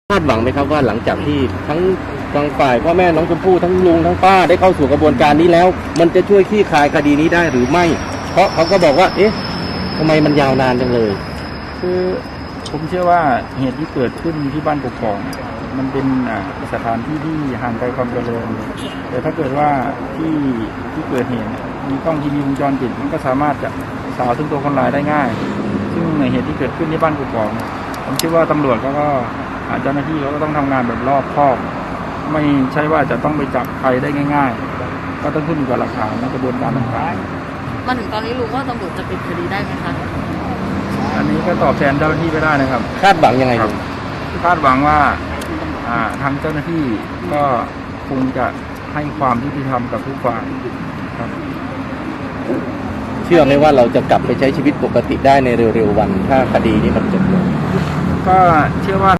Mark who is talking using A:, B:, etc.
A: คาดหวังไหมครับว่าหลังจากที่ทั้งฝ่ายพ่อแม่น้องชมพู่ทั้งลุงทั้งป้าได้เข้าสู่กระบวนการนี้แล้วมันจะช่วยคลี่คลายคดีนี้ได้หรือไม่เพราะเขาก็บอกว่าเอ๊ะทำไมมันยาวนานจังเลย
B: คือผมเชื่อว่าเหตุที่เกิดขึ้นที่บ้านกกอกมันเป็นสถานที่ที่ห่างไกลความเจริญแต่ถ้าเกิดว่าที่เกิดเหตุมีกล้องทีวีวงจรปิดมันก็สามารถจะสาวถึงตัวคนร้ายได้ง่ายซึ่งในเหตุที่เกิดขึ้นที่บ้านกกอกผมเชื่อว่าตำรวจก็เจ้าหน้าที่เขาก็ต้องทำงานแบบรอบคอบไม่ใช่ว่าจะต้องไปจับใครได้ง่ายๆก็ต้องขึ้นอยู่กับหลักฐานในกระบวนการต่าง
C: ๆมาถึงตอนนี้ลุงว่าตำรวจจะปิดคดีได้ไหมคะ
B: อันนี้ก็ตอบแทนเจ้าหน้าที่ไม่ได้นะครับ
A: คาดหวังยังไงครับ
B: คาดหวังว่าทางเจ้าหน้าที่ก็คงจะให้ความยุติธรรมกับทุกฝ่ายครับ
A: เชื่อไหมว่าเราจะกลับไปใช้ชีวิตปกติได้ในเร็วๆวันถ้าคดีนี้มันจบลง
B: ก็เชื่อว่า